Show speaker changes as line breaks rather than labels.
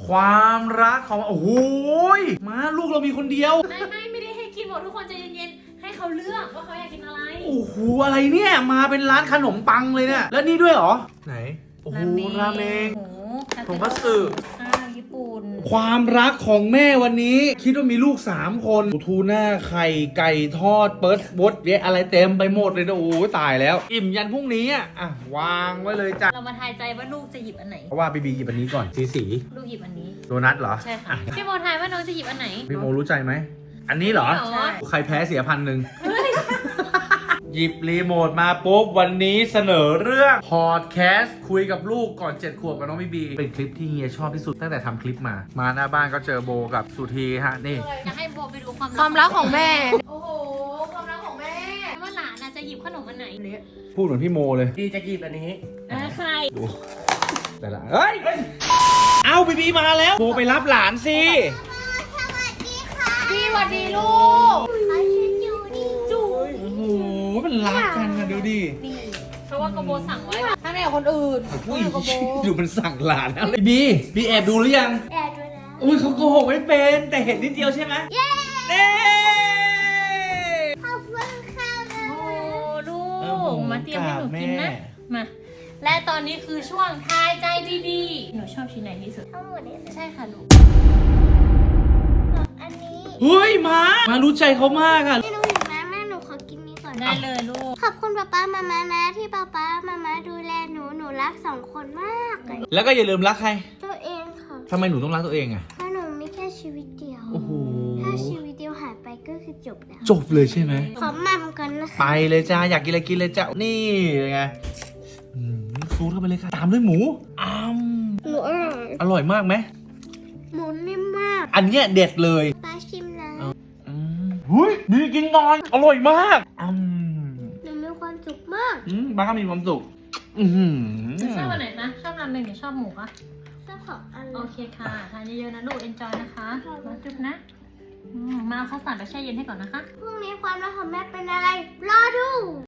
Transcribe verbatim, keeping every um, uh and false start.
ความรักของโอ้โหมาลูกเรามีคนเดียว
ไม่ไม่ไม่ได้ให้กินหมดทุกคนใจเย็นๆให้เขาเลือกว่าเขาอยากกินอะไร
โอ้โหอะไรเนี่ยมาเป็นร้านขนมปังเลยเนี่ยแล้วนี่ด้วยเหรอไหนโอ้โหราเมงทงคัตสึ
ข้าวญี่ปุ่น
ความรักของแม่วันนี้คิดว่ามีลูกสามคนทูน่าไข่ไก่ทอดเปิร์ดบดเยอะอะไรเต็มไปหมดเลยนะโอ้ตายแล้วอิ่มยันพรุ่งนี้อ่ะอ่ะวางไว้เลยจ้ะ
เรามาทายใจว่าลูกจะหยิบอันไหน
เพราะว่าบีบีหยิบอันนี้ก่อนสีสี
ลูกหยิบอันนี้
โดนัทเหรอ
ใช่ค่ะพี่โมทายว่าน้องจะหยิบอันไหน
พี่โมรู้ใจไหมอันนี้เหรอใครแพ้เสียพันหนึ่งหยิบรีโมทมาปุ๊บวันนี้เสนอเรื่องพอดแคสต์คุยกับลูกก่อนเจ็ดขวบกับน้องบีบีเป็นคลิปที่เฮียชอบที่สุดตั้งแต่ทำคลิปมามาหน้าบ้านก็เจอโบกับสุธีฮะนี่
จะให้โบไปดูความ
ความรักของแม่
โอ้โหความรักของแม่ว่าหลานจะหยิบขนมอันไหน
พูดเหมือนพี่โมเลย
ดีจะหยิบอันนี้
ใคร
ดูแต่ละเฮ้ยเอาบีบีมาแล้วโบไปรับหลานสิ
พี่สวัสดีลูก
จูโอ้โหมันรักกันนะดูดิ
เพราะว่ากโบสั่งไว้
ถ้าไม่กับคนอื่น
อุ้ยดูมันสั่งหลานอะไรบีบีแอบดูหรือยัง
แอบดูแล้ว
อุ้ยเขาโกหกไม่เป็นแต่เห็นนิดเดียวใช่ไหม
เย้
เน่
ขอบคุณค่ะ
โอ้ลูกมาเตรียมให้หนูกินนะมาและตอนนี้คือช่วงทายใจดีๆหนูชอบชิ้นไหนที่สุด
ทั้งหมดเลย
ใช่ค่ะลูก
อันนี้
เฮ้ยมามารู้ใจเขามากอ่ะ
ไม่รู้อยู่นะแม่หนูขอกินนี้ก่อน
ได้เลยลูก
ขอบคุณป๊าป๊ามาม่านะที่ป๊าป๊ามาม่าดูแลหนูหนูรักสองคนมากเลย
แล้วก็อย่าลืมรักใคร
ตัวเองค่ะ
ทำไมหนูต้องรักตัวเองอ่ะ
เพราะหนูมีแค่ชีวิตเดียว
โอ้โห
ถ้าชีวิตเดียวหายไปก็คือจบแล้ว
จบเลยใช่ไหม
ขอมั่มกันนะคะ
ไปเลยจ้าอยากกินอะไรกินเลยจ้านี่ไงซูดเข้าไปเลยค่ะตามด้วยหมูอ้าม
หมูอร่อย
อร่อยมากไหม
หมูนิ่มมาก
อันเนี้ยเด็ดเลย
ป้าชิมนะ
เฮ้ยดีกินนอนอร่อยมากอืม
หนูมีความสุขมาก
อืมบ้าก็มีความสุขอืม
ชอบอันไหนนะชอบราเมงหรือชอบหมูคะ
ชอบของอัน
โอเคค่ะทานเยอะๆนะลูกเอนจอยนะคะมาจุ๊บนะมาเอาข้าวสารไปแช่เย็นให้ก่อนนะคะ
พรุ่งนี้ความรักของแม่เป็นอะไรรอดู